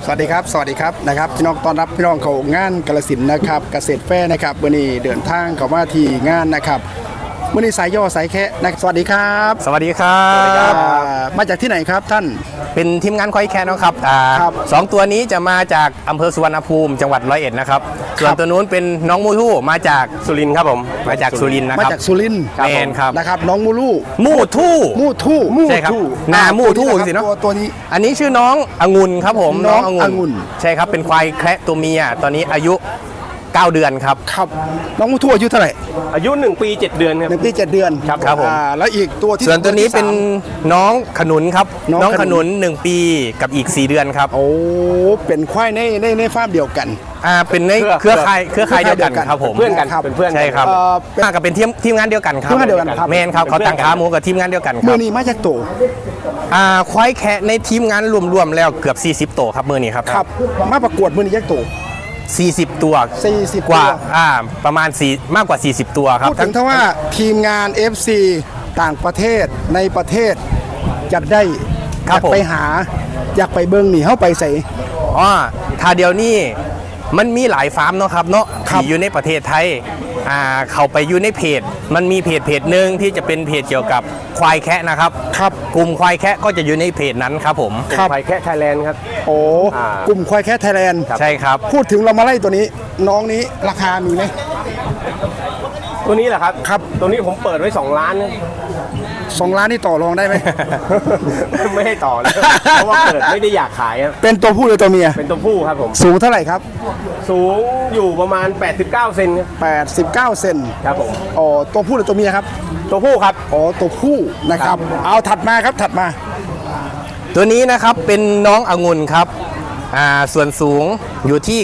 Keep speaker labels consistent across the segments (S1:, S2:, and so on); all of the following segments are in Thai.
S1: สวัสดีครับนะครับพี่น้องต้อนรับพี่น้องเขางานกาฬสินธุ์นะครับเกษตรแฟร์นะครับวันนี้เดินทางเข้ามาที่งานนะครับวันนี้สายย่อสายแคะนะสวัสดีครับ
S2: สวัสดีครับ
S1: มาจากที่ไหนครับท่าน
S2: เป็นทีมงานควายแคะนะครับ
S1: ครับ
S2: สองตัวนี้จะมาจากอำเภอสุวรรณภูมิจังหวัดร้อยเอ็ดนะครับส่วนตัวนู้นเป็นน้องมูทู่มาจากสุรินทร์ครับผมมาจากสุรินทร์นะ
S1: มา
S2: ครับ
S1: จากสุรินทร์
S2: แมนครับ
S1: นะครับน้องมูลู
S2: มูทู่
S1: มูทู่
S2: ใช่ครับนามูทู่สิเนาะ
S1: ตัวนี้
S2: อันนี้ชื่อน้ององุ่นครับผม
S1: น้ององุ่น
S2: ใช่ครับเป็นควายแคระตัวเมียตอนนี้อายุ9 เดือนครับ
S1: ครับน้องมูทู่อายุเท่าไหร่
S3: อายุ1 ปี 7 เดือนครับ
S1: 1 ปี 7 เดือน
S2: ครับผม
S1: แล้วอีกตัวที่
S2: ส่วนตัวนี้เป็น
S1: ที่ส
S2: น้องขนุนครับ
S1: น้อง
S2: น้อง
S1: ข
S2: ข
S1: นุ
S2: นุ
S1: น
S2: น1 ปีกับอีก4 เดือนครับ
S1: โอ้เป็นควายในฟาร์มเดียวกัน
S2: เป็นในเครือข่ายเดียวกันครับผม
S3: เพื่อนกัน
S1: ครับ
S3: เป็นเพื่อนกัน
S2: ใช่ครับ
S1: เป็น
S2: มากับเป็นทีมงานเดียวกันครับ
S1: ทีมงานเดียวกันครับ
S2: แมนครับเขาตั้งขาหมูกับทีมงานเดียวกันค
S1: มื
S2: รั
S1: อบ นี้มาจากตัว
S2: ควายแคะในทีมงานรวมๆแล้วเกือบ40 ตัวครับมือนี้ครับ
S1: ครับมาประกวดมือนี้จากตัว
S2: 40 ตัว
S1: 40
S2: กว่า
S1: ตัว
S2: ประมาณ4มากกว่า 40 ตัวครับ
S1: พูดถึงถ้าว่าทีมงาน FC ต่างประเทศในประเทศอยากได้อยากไปหาอยากไปเบิ้งหนีเข้าไปใส่
S2: ถ้าเดี๋ยวนี้มันมีหลายฟาร์มเนาะครับเนาะ
S1: ครับ
S2: ที่อยู่ในประเทศไทยเขาไปอยู่ในเพจมันมีเพจหนึ่งที่จะเป็นเพจเกี่ยวกับควายแคะนะครับ
S1: ครับ
S2: กลุ่มควายแคะก็จะอยู่ในเพจนั้นครับผม
S1: ครับ
S3: ไฟแค่ไทยแลนด์ครับ
S1: โอ้
S3: อ่า
S1: กลุ่มควายแค่ไทยแลนด์
S2: ใช่ครับ
S1: พูดถึงเรามาไล่ตัวนี้ น้องนี้ราคามีไหม
S3: ตัวนี้แหละครับ
S1: ครับ
S3: ตัวนี้ผมเปิดไว้2 ล้านนะ
S1: 2 ล้านนี่ต่อรองได้ไหม
S3: ไม่ให้ต่อเลยเพราะว่าเปิดไม่ได้อยากขายครับ
S1: เป็นตัวผู้หรือตัวเมีย
S3: เป็นตัวผู้ครับผม
S1: สูงเท่าไหร่ครับ
S3: สูงอยู่ประมาณ 89 เซนครับ
S1: 89 เซน
S3: ครับผม
S1: อ๋อตัวผู้หรือตัวเมียครับ
S3: ตัวผู้ครับ
S1: อ๋อตัวผู้นะครับ เอาถัดมาครับถัดมา
S2: ตัวนี้นะครับเป็นน้ององุ่นครับส่วนสูงอยู่ที่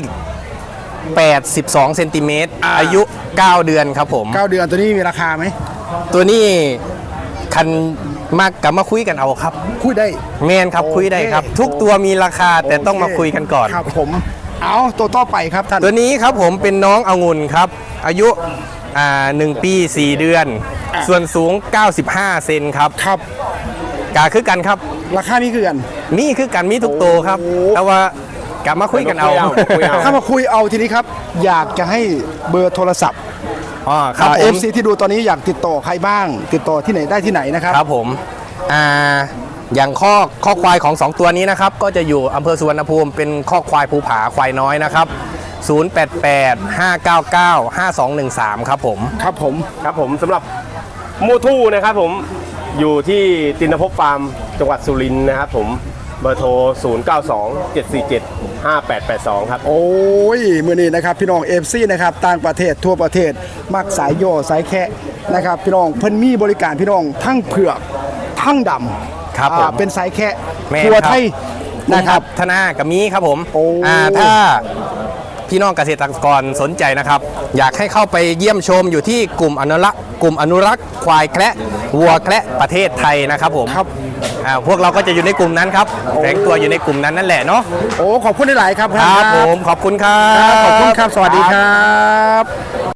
S2: 82เซนติเมตรอายุ 9 เดือนครับผม
S1: 9 เดือนตัวนี้มีราคาไหม
S2: ตัวนี้คันมากกับมาคุยกันเอาครับ
S1: คุยได้
S2: แมนครับ
S1: โอเค
S2: คุยได้ครับ ทุกตัวมีราคาแต่ต้องมาคุยกันก่อน
S1: ครับผมเอาตัวต่อไปครับท่าน
S2: ตัวนี้ครับผมเป็นน้ององุ่นครับ อายุ1 ปี 4 เดือน ส่วนสูง 95 เซนครับ
S1: ครับ
S2: กาคือกันครับ
S1: ราคานี้คือกัน
S2: นี่คือกันมีทุกตัวครับ
S1: โอ้
S2: แต่ว่ากลับมาคุยกันเอา
S3: คุยเอา
S1: ถ้ามาคุยเอาทีนี้ครับ อยากจะให้เบอร์โทรศัพท์
S2: ครับผ
S1: เอ
S2: ม
S1: ฟซีที่ดูตอนนี้อยากติดต่อใครบ้าง ติดต่อที่ไหนได้ที่ไหนนะครับ
S2: ครับผมอย่างข้อควายของ 2 ตัวนี้นะครับ ก็จะอยู่อำเภอสุวรรณภูมิเป็นข้อควายภูผาควายน้อยนะครับ 0885995213 ครับผม
S1: ครับผม
S3: ครับผมสำหรับมูทู่นะครับผมอยู่ที่ตินภพฟาร์มจังหวัดสุรินทร์นะครับผมเบอร์โทร 0927475882 ครับ
S1: โอ้ยมือนี้นะครับพี่น้องเอฟซีนะครับต่างประเทศทั่วประเทศมักสายโยสายแคะนะครับพี่น้องเพิ่นมีบริการพี่น้องทั้งเผือกทั้งดำ
S2: ครับผม
S1: เป็นสายแคะ
S2: แม่น
S1: ทั่ว
S2: ครับ
S1: ไทยนะครับ
S2: ธนากับมีครับผม
S1: โอ้
S2: ถ้าพี่น้องเกษตรกรสนใจนะครับ อยากให้เข้าไปเยี่ยมชมอยู่ที่กลุ่มอนุรักษ์ควายแคระวัวแคระประเทศไทยนะครับผม
S1: ครับ
S2: พวกเราก็จะอยู่ในกลุ่มนั้นครับแฝงตัวอยู่ในกลุ่มนั้นนั่นแหละเนาะ
S1: โอ้ขอบคุณหลายๆครับ
S2: ครับผมขอบคุณครับ
S1: ขอบคุณครับ สวัสดีครับ